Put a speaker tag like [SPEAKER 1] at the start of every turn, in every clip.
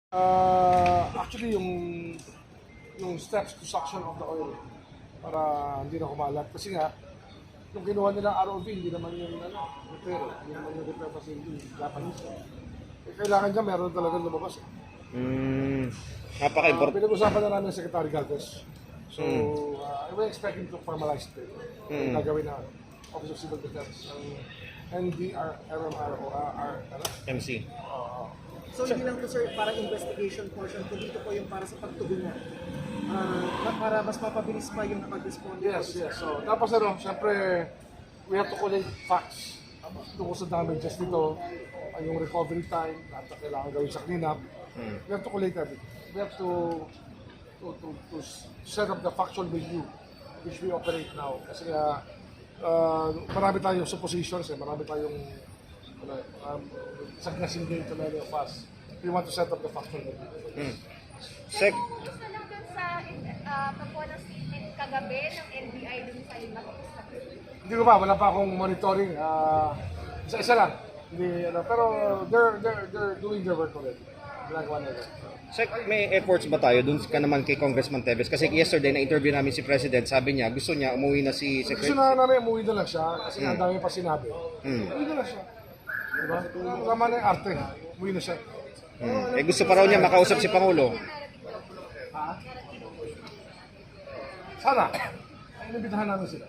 [SPEAKER 1] Actually, yung steps to suction of the oil para hindi na kumalat. Kasi nga, yung kinuha nilang ROV, hindi naman yung repair. Hindi naman yung repair facility, Japanese. Kailangan niya meron talagang lumabas.
[SPEAKER 2] Napaka-important.
[SPEAKER 1] Pinag-usapan na namin ng Secretary Galvez. So, I will expect him to formalize it. Yung gagawin na Office of Civil Defense, ng NDRMR o
[SPEAKER 2] MC.
[SPEAKER 3] So hindi lang po sir para investigation portion, kundi ito po yung para sa pagtugunan. Para mas mapabilis pa yung pag-respond.
[SPEAKER 1] Yes. So, tapos syempre, we have to collect facts tungkol sa damages nito, yung recovery time, lahat na kailangan gawin sa cleanup. We have to collect everything. We have to set up the factual review which we operate now. Kasi marami tayong suppositions, marami tayong sagnasin din to many of us. We want to set up the factual review.
[SPEAKER 2] Sec,
[SPEAKER 4] Gusto lang dun sa pagkuha ng statement kagabi ng NBI dun sa iba.
[SPEAKER 1] Hindi ko pa, wala pa akong monitoring. Isa-isa lang. Pero they're doing their work already. Ginagawa nila.
[SPEAKER 2] Sec, may efforts ba tayo dun ka naman kay Congressman Teves? Kasi yesterday na-interview namin si President, sabi niya gusto niya umuwi na si
[SPEAKER 1] Gusto
[SPEAKER 2] Secretary.
[SPEAKER 1] na namin, umuwi na lang siya kasi ang dami pa sinabi. Umuwi na lang siya. Diba? Tama na yung arte. Umuwi na siya.
[SPEAKER 2] Eh gusto pa raw niya makausap si Pangulo.
[SPEAKER 1] Sana. Inibitahan namin sila.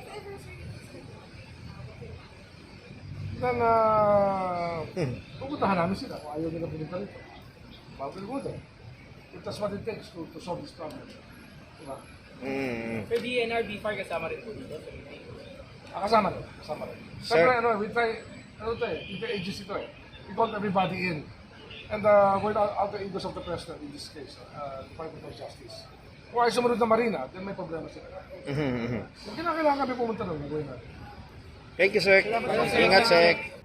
[SPEAKER 1] Then, pupuntahan namin sila kung ayaw nila pumunta rito. Mapilimutan. If that's what it takes to solve this problem. Diba?
[SPEAKER 5] So DNR, BFAR kasama rin po dito?
[SPEAKER 1] Kasama rin.
[SPEAKER 2] Sir.
[SPEAKER 1] Siyempre, we try, interagency ito eh. We call everybody in. And we're out the Eagles of the President in this case, Department of Justice. Kung ay sumunod na Marina, then may problema sila. Kung kailangan kami pumunta doon, nagawin natin.
[SPEAKER 2] Thank you, Sec. Ingat, Sec.